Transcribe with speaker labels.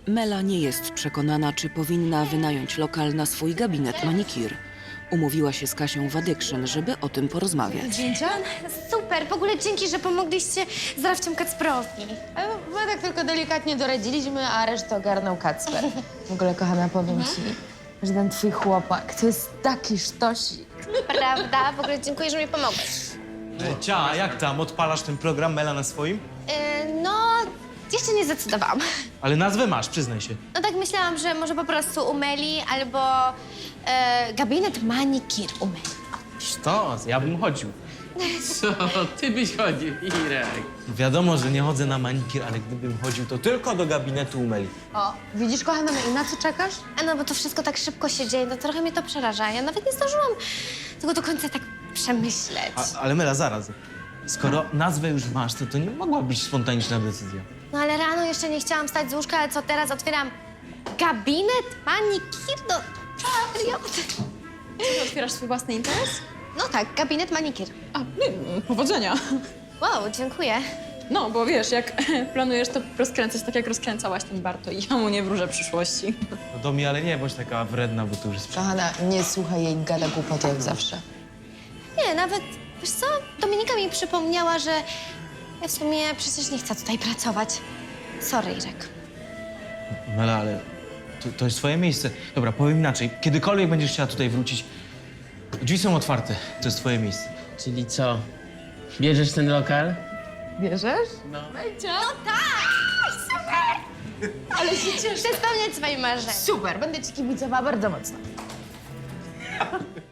Speaker 1: Mela nie jest przekonana, czy powinna wynająć lokal na swój gabinet manikir. Umówiła się z Kasią w Addiction, żeby o tym porozmawiać.
Speaker 2: Zdjęcia?
Speaker 3: Super, w ogóle dzięki, że pomogliście z Rafcią Kacprowi.
Speaker 2: My tak tylko delikatnie doradziliśmy, a resztę ogarnął Kacper. W ogóle, kochana, powiem ci, że ten twój chłopak to jest taki sztosik.
Speaker 3: Prawda? W ogóle dziękuję, że mi pomogłeś.
Speaker 4: Cia, jak tam? Odpalasz ten program Mela na swoim?
Speaker 3: No, jeszcze nie zdecydowałam.
Speaker 4: Ale nazwę masz, przyznaj się.
Speaker 3: No tak myślałam, że może po prostu u Meli albo gabinet manikir u Meli.
Speaker 4: Sztos, ja bym chodził.
Speaker 5: Co? Ty byś chodził, Irek.
Speaker 4: Wiadomo, że nie chodzę na manikir, ale gdybym chodził, to tylko do gabinetu u Meli.
Speaker 2: O, widzisz, kochana, i na co czekasz?
Speaker 3: A no, bo to wszystko tak szybko się dzieje, no trochę mnie to przeraża. Ja nawet nie zdążyłam tego do końca tak przemyśleć.
Speaker 4: Ale Mela, zaraz. Skoro nazwę już masz, to nie mogła być spontaniczna decyzja.
Speaker 3: No ale rano jeszcze nie chciałam wstać z łóżka, ale co teraz otwieram gabinet manikir? No, serio?
Speaker 6: Otwierasz swój własny interes?
Speaker 3: No tak, gabinet manikir.
Speaker 6: A, powodzenia.
Speaker 3: Wow, dziękuję.
Speaker 6: No, bo wiesz, jak planujesz to rozkręcać tak, jak rozkręcałaś ten Barto i ja mu nie wróżę przyszłości.
Speaker 4: No do mnie, ale nie bądź taka wredna, bo to już jest...
Speaker 2: Kochana, nie słuchaj jej, gada głupoty jak zawsze.
Speaker 3: Nie, nawet, wiesz co, Dominika mi przypomniała, że ja w sumie przecież nie chcę tutaj pracować. Sorry, Irek.
Speaker 4: Mela, ale to jest twoje miejsce. Dobra, powiem inaczej. Kiedykolwiek będziesz chciała tutaj wrócić, drzwi są otwarte. To jest twoje miejsce.
Speaker 5: Czyli co? Bierzesz ten lokal?
Speaker 2: Bierzesz?
Speaker 3: Ale się cieszę. Chcę spełniać swoje marzenia.
Speaker 2: Super, będę ci kibicowała bardzo mocno.